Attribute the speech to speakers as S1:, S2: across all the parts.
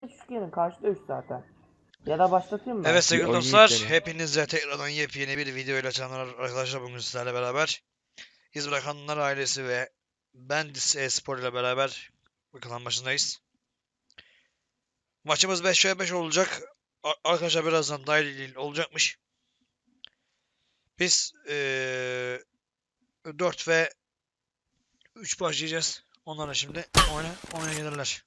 S1: Şu gelin karşıda 3 zaten. Ya da başlatayım mı?
S2: Evet sevgili
S3: oyun
S2: dostlar,
S3: yükleyelim.
S2: hepinize tekrardan yepyeni bir video ile canlar arkadaşlar, bugün sizlerle beraber İz Bırakanlar ailesi ve Bendis Espor ile beraber bakalım başındayız. Maçımız 5v5 olacak. Arkadaşlar birazdan dahil olacakmış. Biz 4 ve 3 başlayacağız. Onlara şimdi oyuna gelirler.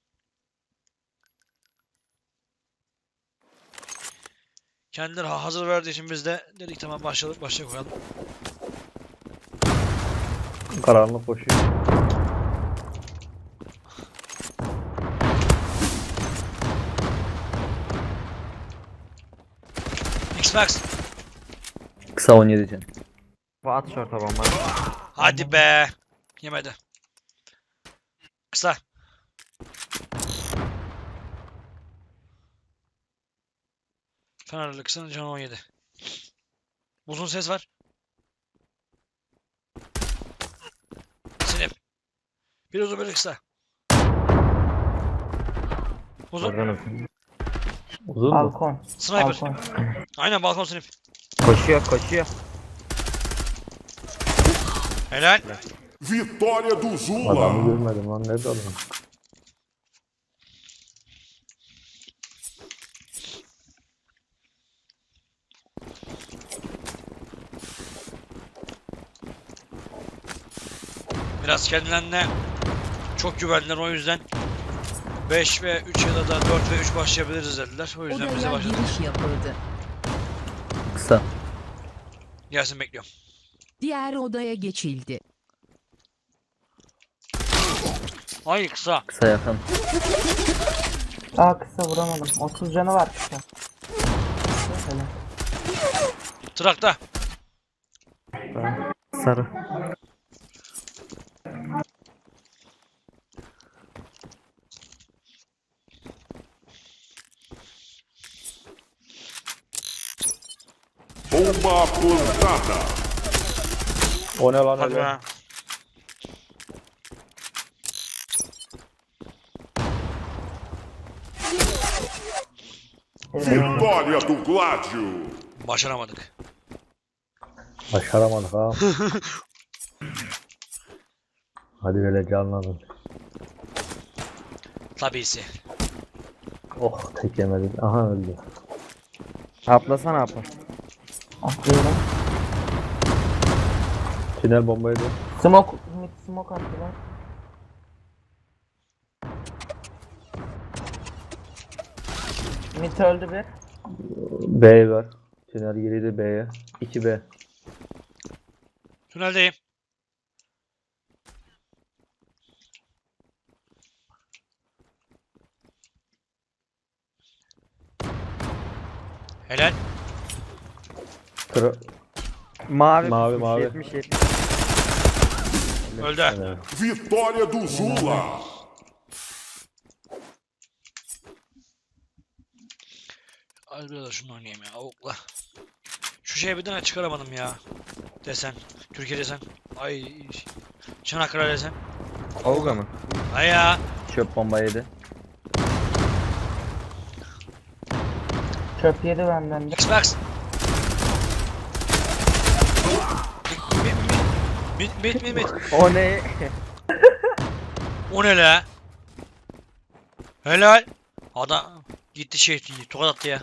S2: Kendileri hazır verdiği için biz de dedik tamam başlayalım koyalım.
S3: Karanlık koşuyor.
S2: X-Max.
S3: Kısa 17 can.
S4: At şorta bomba.
S2: Hadi be. Yemedi. Kısa. Fenerli kısanın canı 17. Uzun ses var. Sinip. Bir uzun bir kısa. Uzun.
S4: Oradan
S3: Uzun mu?
S1: Balkon.
S2: Sniper.
S1: Balkon.
S2: Aynen balkon sinip.
S4: koşuyor.
S2: Helal.
S5: Vitória do Zula.
S3: Adamı görmedim lan, nerede adam?
S2: Biraz kendilerine çok güvendiler, o yüzden 5 ve 3 ya da 4 ve 3 başlayabiliriz dediler. O yüzden bize
S6: Odaya
S2: başladık.
S6: giriş yapıldı.
S3: Kısa.
S2: Gelsin bekliyorum.
S6: Diğer odaya geçildi.
S2: Ay kısa.
S3: Kısa yakın.
S1: Aa kısa vuramadım. 30 canı var kısa. Helal.
S2: Trakta.
S4: Sarı.
S5: Bomba plantada.
S3: O ne lan
S2: Hadi
S3: öyle?
S2: be.
S5: Vitória do Gládio.
S2: Başaramadık.
S3: Başaramadık ha. Hadi böyle canlanın.
S2: Tabisi.
S3: Oh, tek yemedik. Aha öldü.
S4: Atlasana atla.
S1: Atlıyorum.
S3: Tünel bombaydı.
S1: Smoke. Mid smoke attılar. Mid öldü bir.
S3: B var. Tünel girdi B'ye. 2B.
S2: Tüneldeyim. Helal.
S3: Kır.
S4: Mavi.
S3: Mavi,
S4: pusmuş,
S3: mavi.
S4: 70.
S2: Öldü.
S3: Evet.
S5: Vitória do Zula.
S2: Hadi biraz da şunu oynayayım ya. Avukla. Şu şeye bir tane çıkaramadım ya. Desen. Türkiye desen. Ay. Çanakkale desen.
S4: Olga mı?
S2: Ay ya.
S3: Çöp bomba yedi.
S1: Çöp yedi benden de.
S2: Xbox. Mid.
S4: O ne?
S2: O ne la? Helal. Adam gitti şey tokat attı ya.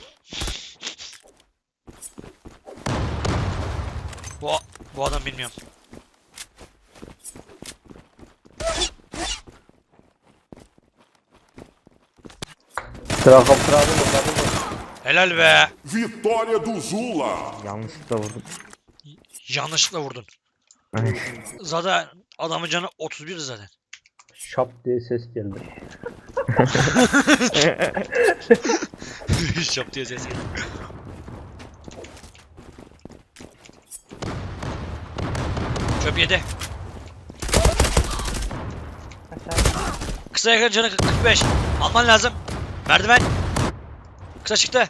S2: Bu adam bilmiyorum.
S3: Sıra kaptırdı mı?
S2: Helal be.
S5: Vitória do Zula.
S4: Yanlışlıkla vurdum.
S2: Yanlışlıkla vurdun. Zaten adamın canı 31 zaten.
S3: Şap diye ses geldi.
S2: Şap diye ses geldi. Çöp yedi.
S1: Aşağı.
S2: Kısa yakın canı 45. Alman lazım. Merdiven. Kısa çıktı.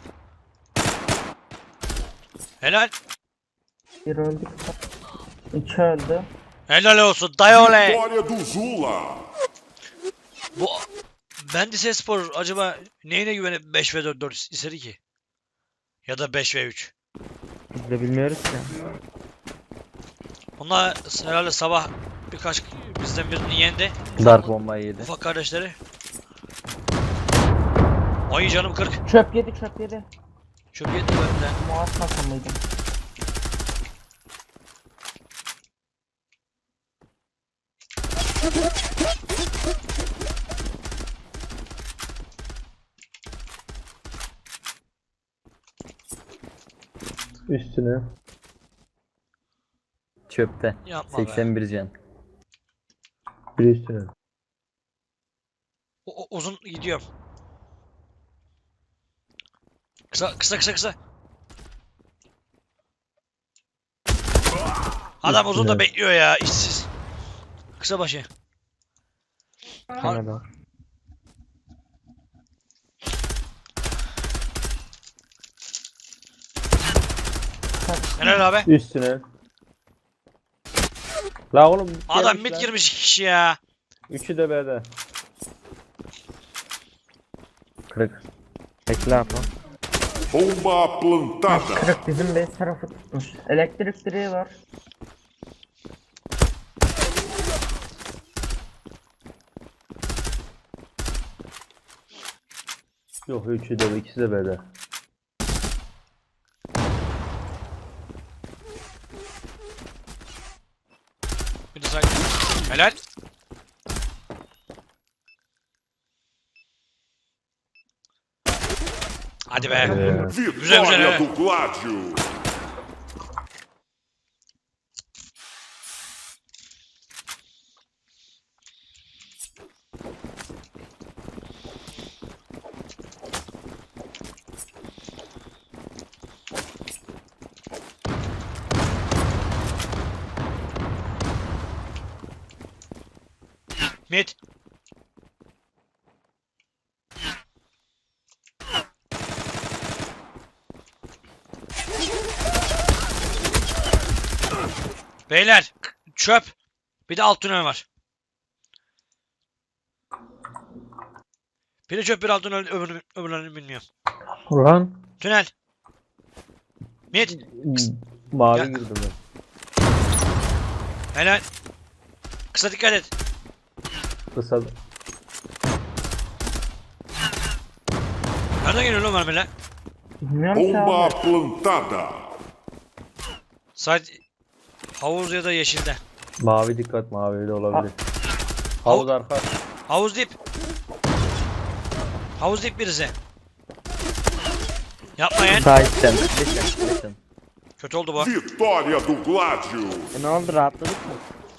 S2: Helal.
S1: Bir öldü kısa. 3 öldü.
S2: Helal olsun. Dayı oley.
S5: Vitória do Zula.
S2: Bu Bendis Spor acaba neyine güvenip 5v4 istedi ki? Ya da 5v3.
S4: Biz de bilmiyoruz ki.
S2: Onlar herhalde sabah birkaç bizden birini yendi.
S3: Dark bombayı yedi.
S2: Ufak kardeşleri. Ay canım 40.
S1: Çöp yedi çöp yedi.
S2: Çok yetti ben de.
S1: Muaz takımıydı.
S3: Üstüne.
S4: Çöpte.
S2: Yapma be.
S4: 81 can.
S3: Bir üstüne.
S2: Uzun gidiyorum. Kısa kısa kısa kısa. Adam uzun da
S3: Üstüne.
S2: bekliyor ya işsiz. Kısa başı.
S4: Kanada.
S2: Helal abi.
S3: Üstüne. La oğlum. mid
S2: Adam
S3: gelmiş
S2: mid
S3: lan.
S2: girmiş iki kişi ya.
S3: Üçü de B'de.
S4: Kırık. Bekle Apo.
S5: Bomba plantada.
S1: Kırık bizim base tarafı tutmuş. Elektrik direği var.
S3: Yok üçü de ikisi de B'de.
S2: Bir de say. Helal. Hadi be. Güzel,
S5: Vitória
S2: é.
S5: do Gládio.
S2: Mid. Beyler çöp. Bir de alt tünel var. Biri çöp bir alt tünel öbürlerini bilmiyorum.
S3: Ulan.
S2: Tünel. Mid.
S3: Mavi
S2: Ya.
S3: girdi ben.
S2: Helal. Kısa dikkat et.
S3: Kısa.
S2: Nereden geliyor lan mermiler?
S1: Bilmiyorum ki
S5: Bomba
S1: abi.
S5: plantada.
S2: Sadece havuz ya da yeşilde.
S3: Mavi dikkat mavi de olabilir. Havuz arka.
S2: Havuz dip. Havuz dip birisi. Yapmayın.
S4: Sağ içten. Geçen.
S2: Kötü oldu bu.
S5: Vitória do Gládio.
S4: Ne oldu, rahatladık mı?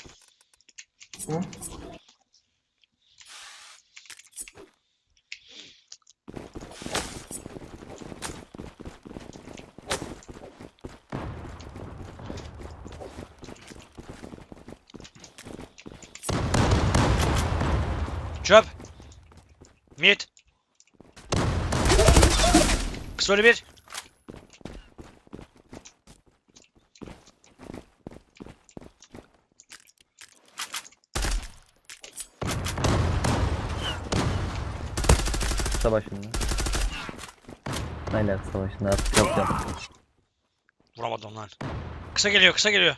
S2: Çöp. Mid. Kısa bir.
S3: Kısa başında. Aynen kısa başında artık yapacağım.
S2: Vuramadım lan. Kısa geliyor, kısa geliyor.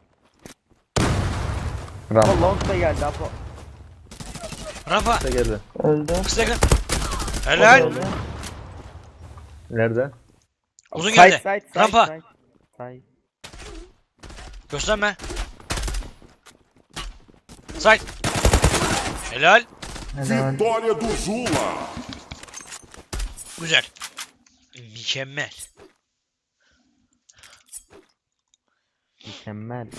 S4: Ram.
S1: Long da geldi Apo.
S2: Rampa.
S3: Kısa geldi.
S1: Öldü.
S2: Kısa yakın.
S1: O da
S2: Helal.
S1: öldü.
S3: Nerede?
S2: Uzun geldi.
S4: Side.
S2: Rampa.
S4: Side.
S2: Gösterme. Side. Helal.
S1: Helal.
S5: Vitória do Zula.
S2: Güzel. Mükemmel.
S4: Mükemmel.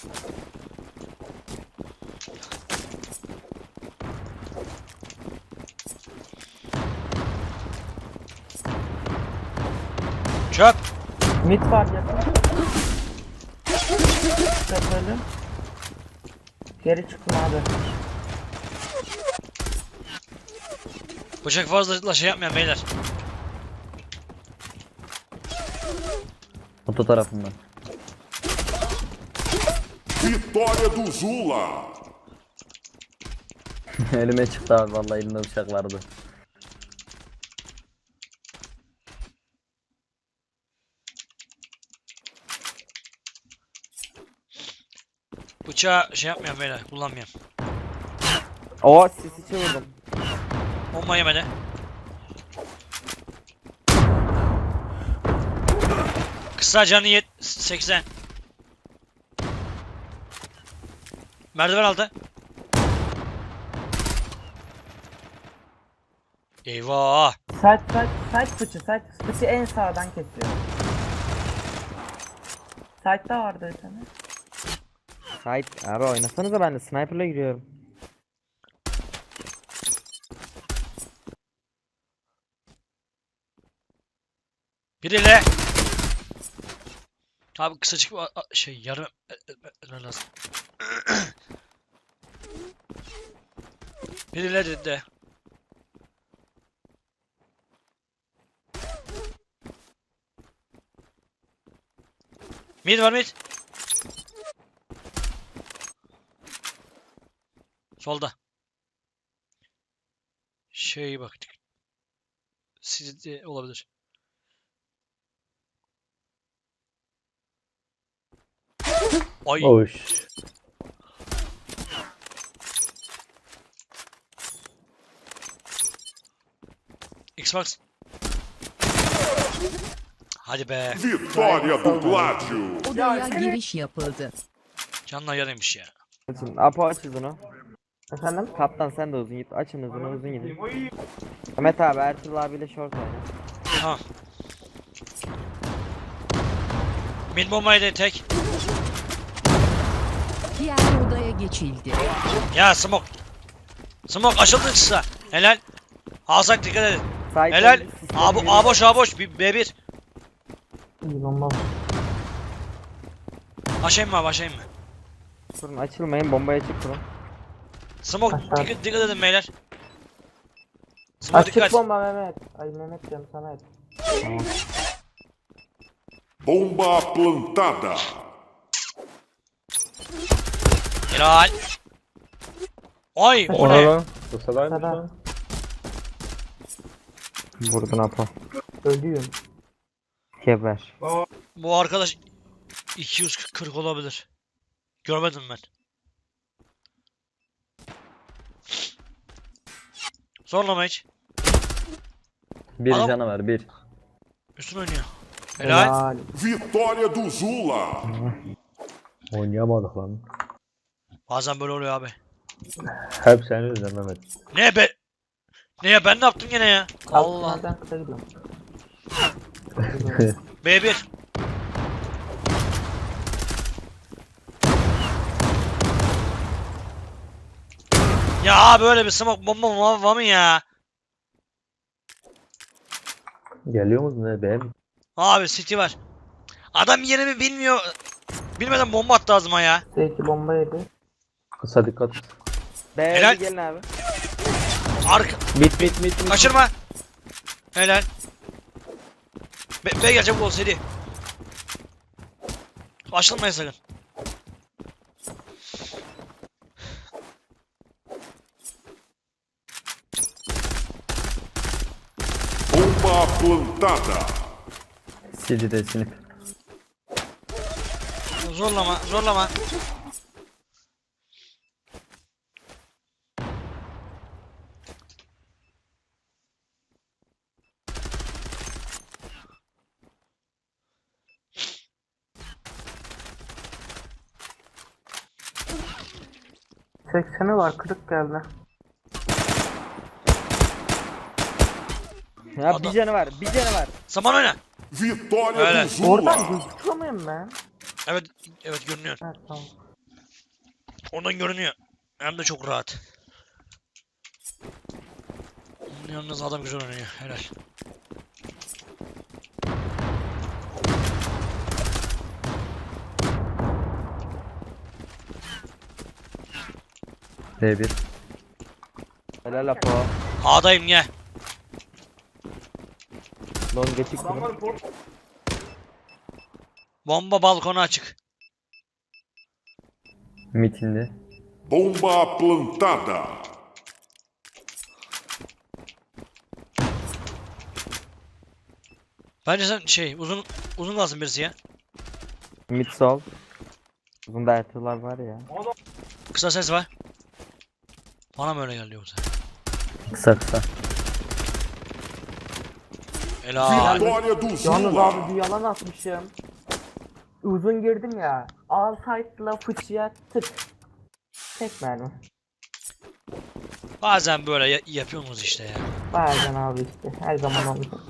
S2: Çöp.
S1: Mid var yakın. Çöp öldü. Geri çıktım abi.
S2: Bıçak fazla şey yapmayan beyler.
S3: Oto tarafından.
S5: Vitória do Zula.
S3: Elime çıktı abi vallahi elimde bıçak vardı.
S2: Bıçağı şey yapmıyorum beyler. Kullanmıyorum.
S4: O sisi çevirdim.
S2: Bomba yemedi. Kısa canı 80. Merdiven aldı. Eyvah.
S1: Side fıçı en sağdan kesiyor. Side'da vardı bir tane.
S4: Sait abi oynasanıza, ben de sniper'la giriyorum.
S2: Biriyle. Abi kısacık şey yarım lazım. Biriyle dedi. Mid var mid. Solda. Şey baktık. Sizde olabilir. Ay.
S3: Oş.
S2: Xbox. Hadi be.
S5: Vitória do Gládio.
S6: Odaya giriş yapıldı.
S2: Canla yarıymış ya.
S4: Açın. Apo aç hızını.
S1: Efendim?
S4: Kaptan sen de uzun git. Açın hızını, uzun gidin. Mehmet abi Ertuğrul abiyle short oyna.
S2: Tamam. Mid bombaydı tek.
S6: Diğer odaya geçildi.
S2: Ya smoke. Smoke açıldı kısa. Helal. Alsak dikkat edin.
S4: Sait
S2: Helal.
S4: önünde sisleri
S2: A
S4: giriyor.
S2: boş A boş. B1.
S1: İyi bomba.
S2: Aşayım mı abi aşayım mı?
S4: Kurun, açılmayın, bombaya çık kurun.
S2: Smoke
S1: Aşağı.
S2: dikkat edin beyler. Smoke
S1: Açık
S2: dikkat.
S1: bomba Mehmet. Ay Mehmet diyorum sana et.
S5: Bomba plantada.
S2: Helal. Ay o
S3: Ona
S2: ne?
S3: lan. Kısadaymış
S1: Kısa.
S3: lan.
S4: Vurdun Apo.
S1: Ölüyorum.
S4: Geber.
S2: Bu arkadaş 240 olabilir. Görmedim ben. Zorlama hiç.
S3: Bir
S2: Adam-
S3: canavar bir.
S2: Üstün oynuyor. Helal.
S5: Vitória do Zula.
S3: Oynayamadık lan.
S2: Bazen böyle oluyor abi.
S3: Hep senin yüzünden Mehmet.
S2: Ne be? Ne ya ben ne yaptım gene ya? Allah.
S1: Altlardan kısa gidiyorum.
S2: B1. Ya böyle bir smoke bomba var mı ya?
S3: Geliyor musun ne be?
S2: Abi City var. Adam yerimi bilmiyor. Bilmeden bomba attı ağzıma ya.
S1: Seyirci bomba yedi.
S3: Kısa dikkat.
S4: B'ye
S2: Helal.
S4: gelin abi.
S2: Arka.
S3: Bit.
S2: Kaçırma. Helal. B gelecek gol seri. Açılmayın sakın.
S5: Bomba plantada.
S3: City'de sinip.
S2: Zorlama, zorlama.
S1: Sekseni var kırık geldi.
S4: Ya
S2: Adam-
S4: bir canı var, bir canı var.
S2: Zaman oyna.
S5: Vitória
S2: Öyle.
S5: do
S1: Oradan
S5: Zula.
S1: gözüküyor muyum ben?
S2: Evet, evet görünüyor.
S1: Evet tamam.
S2: Oradan görünüyor. Hem de çok rahat. Yalnız adam güzel oynuyor. Helal.
S3: D1.
S4: Helal Apo.
S2: A'dayım gel.
S4: Long geçik kurun.
S2: Bomba balkona açık.
S3: Mitinde.
S5: Bomba plantada.
S2: Bence sen şey uzun lazım birisi ya.
S4: Mid sol. Bunda Ertuğrul'lar var ya.
S2: Kısa ses var. Bana mı öyle geldi yoksa?
S3: Kısa kısa.
S2: Helal.
S5: Vitória do
S1: Yalnız
S5: Zula.
S1: abi bir yalan atmışım. Uzun girdim ya. Alside'la fıçıya tık. Tek mermi.
S2: Bazen böyle yapıyorsunuz işte ya.
S1: Bazen abi işte. Her zaman olmuyor.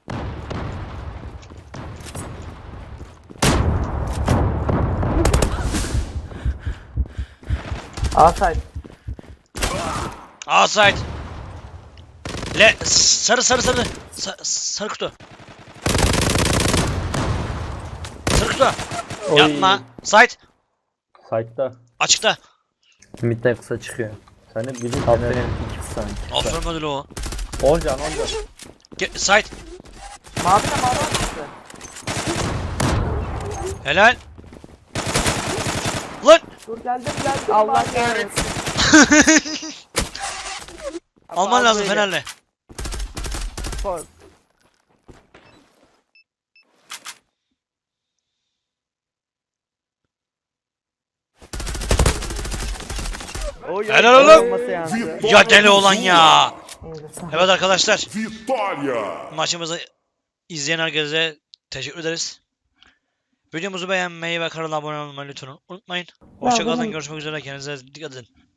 S1: Alside.
S2: Outside. Sarı. Sarı kutu. Sarı kutu.
S3: Oy.
S2: Yapma. Side.
S3: Side'da.
S2: Açıkta.
S3: Mid'den kısa çıkıyor. Sen de bizim Fener'in 2 kısa.
S2: Aferin ödülü o.
S3: 10 can.
S2: Side.
S1: Mavi atmıştı.
S2: Helal. Lan.
S1: Dur geldim. Allah kahretsin.
S2: Alman lazım Fener'le. Helal oğlum.
S4: Olması yansın.
S2: Ya deli olan ya.
S1: Neyse,
S2: Evet arkadaşlar.
S5: Vitória.
S2: Maçımızı izleyen herkese teşekkür ederiz. Videomuzu beğenmeyi ve kanala abone olmayı lütfen unutmayın. Hoşçakalın.
S1: benim-
S2: Görüşmek üzere. Kendinize dikkat edin.